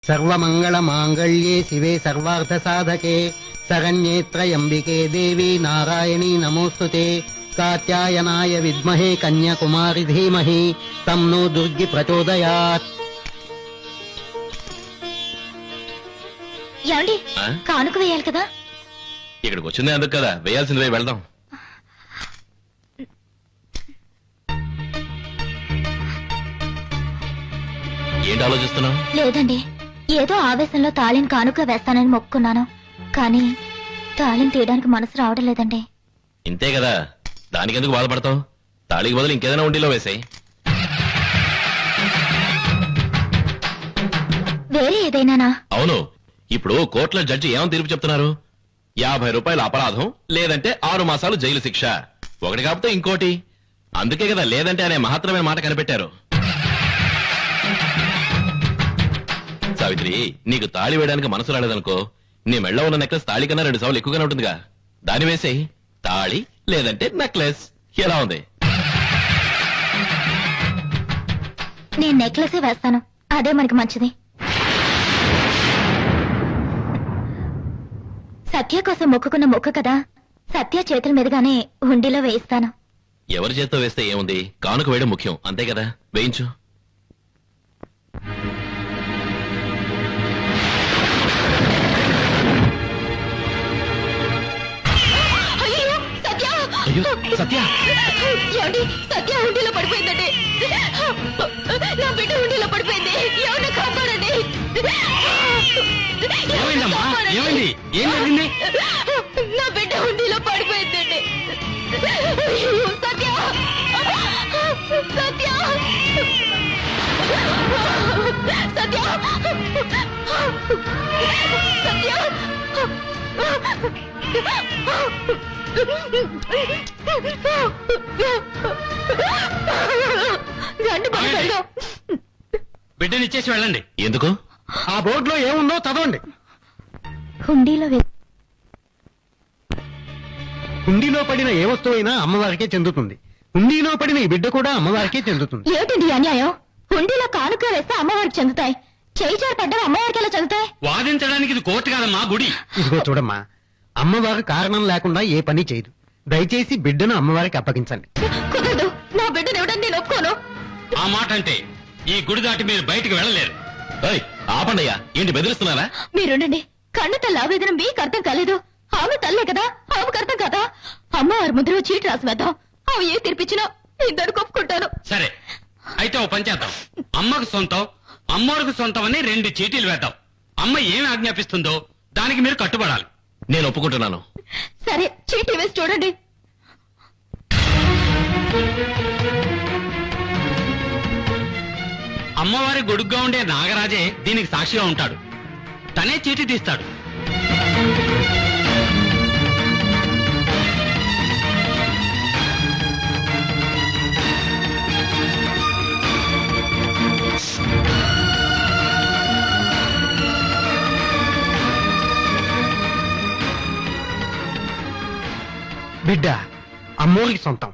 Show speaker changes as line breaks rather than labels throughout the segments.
సర్వమంగళ మాంగళ్యే శివే సర్వార్థ సాధకే శరణ్యే త్రయంబికే దేవి నారాయణీ నమోస్తుతే కాత్యాయనాయ విద్మహే కన్యాకుమారి ధీమహి తన్నో దుర్గి ప్రచోదయాత్.
ఏమండి కానుక వేయాలి కదా?
ఇక్కడికి వచ్చిందే అందుకు కదా, వేయాల్సింది వేయి, వెళ్దాం. ఏంటి ఆలోచిస్తున్నావు?
లేదండి, ఏదో ఆవేశంలో తాళిని కానుక వేస్తానని మొక్కున్నాను, కానీ తాళిని తీయడానికి మనసు రావడం లేదండి.
ఇంతే కదా, దానికెందుకు బాధపడతావు? తాళికి బదులు ఇంకేదైనా ఉండిలో వేసాయి.
వేరే ఏదైనానా?
అవును, ఇప్పుడు కోర్టులో జడ్జి ఏమని తీర్పు చెప్తున్నారు? 50 రూపాయల అపరాధం, లేదంటే 6 మాసాలు జైలు శిక్ష. ఒకటి కాకపోతే ఇంకోటి. అందుకే కదా లేదంటే అనే మహత్తరమైన మాట కనిపెట్టారు. సావిత్రి, నీకు తాళి వేయడానికి మనసు రాలేదనుకో, నీ మెళ్ళ ఉన్న నెక్లెస్ తాళి కన్నా 2 సార్లు ఎక్కువగానే ఉంటుందిగా, దాన్ని వేసేయి. తాళి లేదంటే నెక్లెస్. ఎలా ఉంది?
నేను నెక్లెసే వేస్తాను, అదే మనకి మంచిది. సత్య కోసం మొక్కుకున్న మొక్క కదా, సత్య చేతుల మీదుగానే హుండీలో వేయిస్తాను.
ఎవరి చేత్తో వేస్తే ఏముంది, కానుక వేయడం ముఖ్యం, అంతే కదా, వేయించు. సత్య,
సత్య హుండీలో పడిపోయిందండి. నా బిడ్డ హుండీలో పడిపోయింది, ఎవరిని కాపాడండి.
ఏమైంది? ఏం జరిగింది?
నా బిడ్డ హుండీలో పడిపోయిందండి. సత్య, సత్య, సత్య, సత్య.
బిడ్డనిచ్చేసి వెళ్ళండి.
ఎందుకు?
ఆ బోర్డులో ఏముందో చదవండి. హుండీలో పడిన ఏ వస్తువు అయినా అమ్మవారికే చెందుతుంది. హుండీలో పడిన ఈ బిడ్డ కూడా అమ్మవారికే చెందుతుంది.
ఏమిటండి అన్యాయం? హుండీలో కానుక వేస్తే అమ్మవారికి చెందుతాయి, చేయి జారి పడ్డా అమ్మవారికి ఎలా చెందుతాయి?
వాదించడానికి ఇది కోర్టు కాదమ్మా, గుడి. ఇదిగో చూడమ్మా, అమ్మవారు కారణం లేకుండా ఏ పని చేయదు. దయచేసి బిడ్డను అమ్మవారికి అప్పగించండి.
కుదరదు, నా బిడ్డను ఇవ్వడానికి నేను ఒప్పుకోను.
ఆ మాట అంటే ఈ గుడి దాటి మీరు బయటికి వెళ్ళలేరు.
ఆపండయ్యా, ఏంటి బెదిరిస్తున్నారా?
మీరుండండి. కన్ను తల్లి ఆవేదన మీకు అర్థం కాలేదు. ఆమె తల్లే కదా, ఆమెకు అర్థం కదా. అమ్మవారి ముద్ర చీటి రాసి వేద్దాం, ఆమె ఏ తీర్పిచ్చినా ఇద్దరు ఒప్పుకుంటాను.
సరే, అయితే ఓ పని చేద్దాం. అమ్మకు సొంతం, అమ్మోరికి సొంతం అని 2 చీటీలు వేద్దాం. అమ్మ ఏమి ఆజ్ఞాపిస్తుందో దానికి మీరు కట్టుబడాలి.
నేను ఒప్పుకుంటున్నాను.
సరే, చీటీ వేసి చూడండి.
అమ్మవారి గొడుగ్గా ఉండే నాగరాజే దీనికి సాక్షిగా ఉంటాడు. తనే చీటీ తీస్తాడు.
బిడ్డ అమ్మవారికి సొంతం.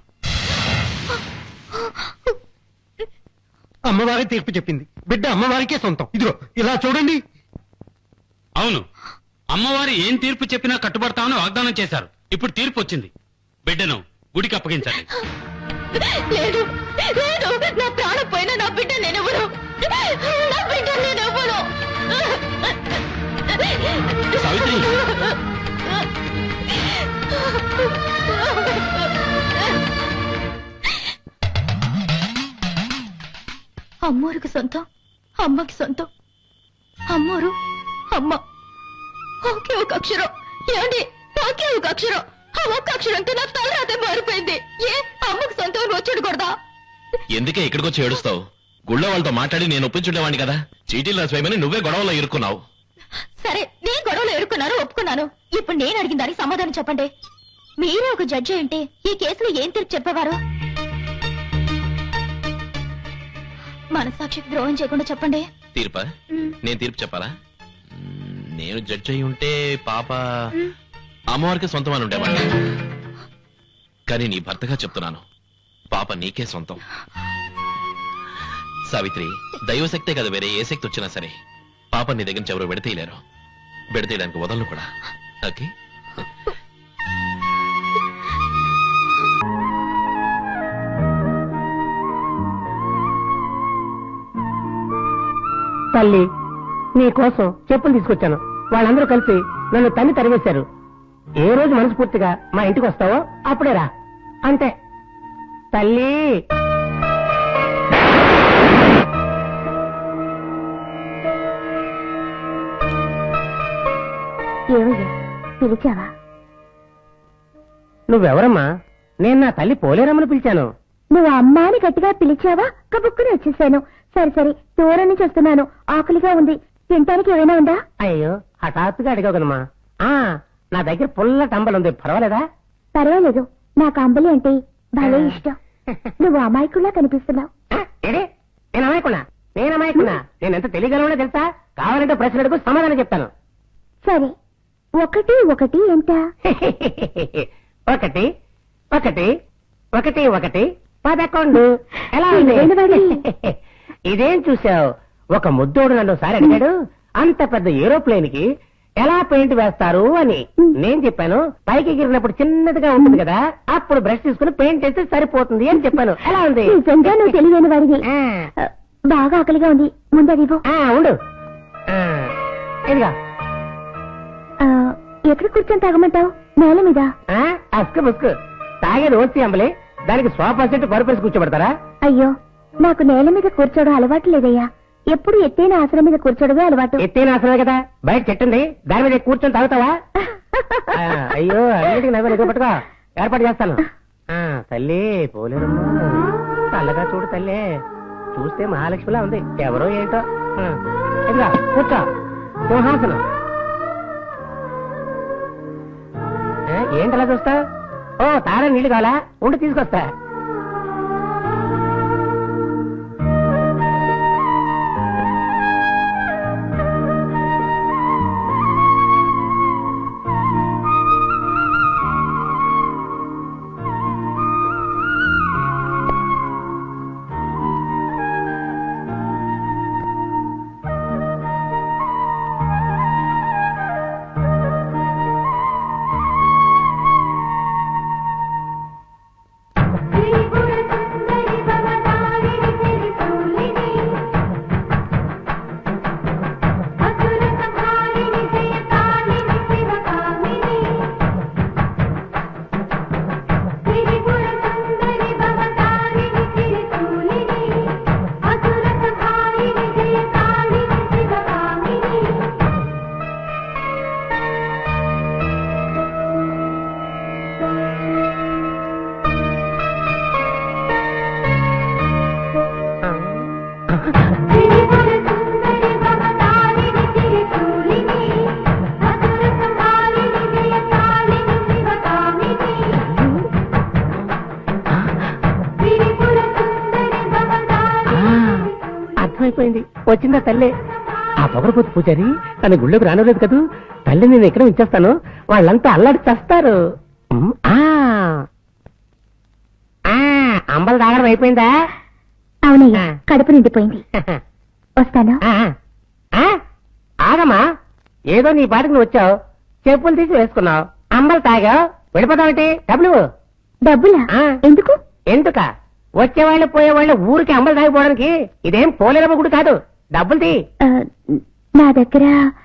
అమ్మవారి తీర్పు చెప్పింది, బిడ్డ అమ్మవారికే సొంతం. ఇదిగో ఇలా చూడండి.
అవును, అమ్మవారి ఏం తీర్పు చెప్పినా కట్టుబడతామని వాగ్దానం చేశారు. ఇప్పుడు తీర్పు వచ్చింది, బిడ్డను గుడికి అప్పగించండి.
లేదు, లేదు, నా ప్రాణం పోయినా నా బిడ్డ నేనెవరు, నా బిడ్డ నేనెవరు.
సావిత్రి,
అమ్మోరికి సొంతం, అమ్మకి సొంతం. అమ్మోరు, అమ్మ ఒకే ఒక అక్షరం. ఏమండి, ఒకే ఒక అక్షరం. ఆ ఒక్క అక్షరంతో నా తలరాతే మారిపోయింది. ఏ అమ్మకు సొంతం వచ్చేయకూడదా?
ఎందుకే ఇక్కడికి వచ్చి ఏడుస్తావు? గుళ్ళో వాళ్ళతో మాట్లాడి నేను ఒప్పించుండేవాడిని కదా. చీటీలు రాసిపోయమని నువ్వే గొడవలో ఇరుక్కున్నావు.
సరే, నేను గొడవలో ఎరుక్కున్నాను, ఒప్పుకున్నాను. ఇప్పుడు నేను అడిగిన దానికి సమాధానం చెప్పండి. మీరే ఒక జడ్జి అంటే ఈ కేసులో ఏం తీర్పు చెప్పేవారు? మనసాక్షికి ద్రోహం చేయకుండా చెప్పండి.
తీర్పా? నేను తీర్పు చెప్పాలా? నేను జడ్జి అయి ఉంటే పాప అమ్మవారికి సొంతం అని ఉండేవాడిని. కానీ నీ భర్తగా చెప్తున్నాను, పాప నీకే సొంతం. సావిత్రి, దైవశక్తే కదా వేరే ఏ శక్తి వచ్చినా సరే పాప నీ దగ్గర నుంచి ఎవరు విడతీయలేరు, విడతీయడానికి వదలను కూడా. ఓకే?
తల్లి, నీ కోసం చెప్పులు తీసుకొచ్చాను. వాళ్ళందరూ కలిసి నన్ను తన్ని తరివేశారు. ఏ రోజు మనస్ఫూర్తిగా మా ఇంటికి వస్తావో అప్పుడే రా. అంతే తల్లి.
ఏమయ్యా పిలిచావా?
నువ్వెవరమ్మా? నేను నా తల్లి పోలేరమ్మని పిలిచాను.
నువ్వు అమ్మా అని గట్టిగా పిలిచావా? కబుక్కుని వచ్చేసాను. సరే సరే, దూరం నుంచి వస్తున్నాను, ఆకలిగా ఉంది, తినటానికి ఏమైనా ఉందా?
అయ్యో, హఠాత్తుగా అడిగావు కదమ్మా. నా దగ్గర పుల్ల టంబల్ ఉంది, పర్వాలేదా?
పర్వాలేదు, నాకు అంబలి అంటే భలే ఇష్టం. నువ్వు అమాయకుల్లా కనిపిస్తున్నావు.
ఏడే, నేను అమాయకున్నా? నేను ఎంత తెలియగలనో తెలుసా? కావాలంటే ప్రశ్న అడుగు, సమాధానం చెప్తాను.
సరే, ఒకటి ఒకటి ఎంత?
ఒకటి ఒకటి ఒకటి ఒకటి 11. ఎలా ఉంది? ఇదేం చూసావు? ఒక ముద్దోడు నన్ను ఒకసారి అడిగాడు, అంత పెద్ద ఏరోప్లేన్ కి ఎలా పెయింట్ వేస్తారు అని. నేను చెప్పాను, పైకి ఎగిరినప్పుడు చిన్నదిగా ఉంటుంది కదా, అప్పుడు బ్రష్ తీసుకుని పెయింట్ వేస్తే సరిపోతుంది అని చెప్పాను. ఎలా ఉంది?
నిజంగా నువ్వు తెలివైన వాడివి. బాగా ఆకలిగా ఉంది, ముందది
ఉండు. ఇదిగా.
ఎక్కడ కూర్చొని తాగమంటావు? నేల మీద.
అస్కు ముస్కు తాగేది ఓసి అంబలి, దానికి సోఫా సెట్ పరుపేసి కూర్చోబెడతారా?
అయ్యో, నాకు నేల మీద కూర్చోవడం అలవాటు లేదయ్యా. ఎప్పుడు ఎత్తైన ఆసనం మీద కూర్చోడమే అలవాటు.
ఎత్తైన ఆసనమే కదా, బయట చెట్టుంది, దాని మీద కూర్చొని తాగుతావా? అయ్యో, అన్నిటికీ నవ్వు ఎదురు పట్టుకో, ఏర్పాటు చేస్తాను. తల్లి పోలేరమ్మా, చల్లగా చూడు తల్లి, చూస్తే మహాలక్ష్మిలా ఉంది, ఎవరో ఏంటో. ఇదిగా కూర్చో, సింహాసనం. ఏంటలా చూస్తా? ఓ, తార నీళ్లు కావాలా? ఉండి తీసుకొస్తా. అర్థమైపోయింది, వచ్చిందా తల్లి? ఆ పొగరపోతు పూజారి తన గుళ్ళోకి రానలేదు కదూ. తల్లి నేను ఎక్కడ ఉంచేస్తాను, వాళ్ళంతా అల్లాడి చేస్తారు. అంబలు తాగడం అయిపోయిందా?
అవునయ్యా, కడుపు నిండిపోయింది. వస్తాను.
ఆగమ్మా, ఏదో నీ పాటికి నువ్వు వచ్చావు, చెప్పులు తీసి వేసుకున్నావు, అంబలు తాగావు, వెళ్ళిపోతావంటే
డబ్బులా? ఎందుకు?
ఎందుక? వచ్చేవాళ్ళు పోయేవాళ్ళు ఊరికి అంబలు తాగిపోవడానికి. ఇదేం పోలేరమ్మ గుడి కాదు, డబ్బులు తీ.
నా దగ్గర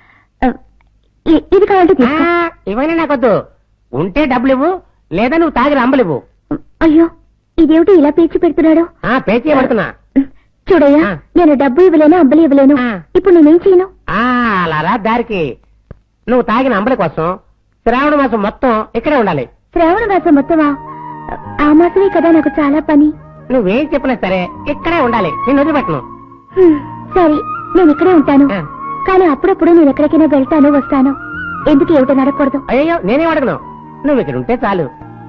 ఇది కావాలంటే తీసుకో.
ఇవన్నీ నాకొద్దు, ఉంటే డబ్బులు ఇవ్వు, లేదా నువ్వు తాగిన అంబలు ఇవ్వు.
అయ్యో, ఇదేమిటి ఇలా పేచి పెడుతున్నాడు?
పేచి పడుతున్నా.
చూడయ్యా, నేను డబ్బు ఇవ్వలేను, అంబలి ఇవ్వలేను. ఇప్పుడు నేనేం చేయను?
అలా రా దారికి. నువ్వు తాగిన అంబలి కోసం శ్రావణ మాసం మొత్తం ఇక్కడే ఉండాలి.
శ్రావణ మాసం మొత్తమా? ఆ మాసమే కదా నాకు చాలా పని.
నువ్వేం చెప్పినా సరే ఇక్కడే ఉండాలి, నేను వదిలిపెట్టను.
సరే, నేను ఇక్కడే ఉంటాను. కానీ అప్పుడప్పుడు నేను ఎక్కడికైనా వెళ్తాను, వస్తాను. ఎందుకు ఏమిటని అడగకూడదు?
అయ్యో, నేనేం అడగను, నువ్వు ఇక్కడ ఉంటే చాలు.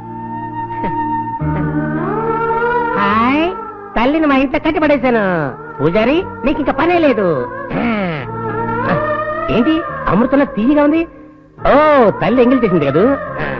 హాయ్, తల్లిని మా ఇంట్లో కట్టి పడేశాను. పూజారి, నీకు ఇంకా పనే లేదు. ఏంటి అమృతంలో తీయగా ఉంది? ఓ, తల్లి ఎంగిల్ చేసింది కదూ.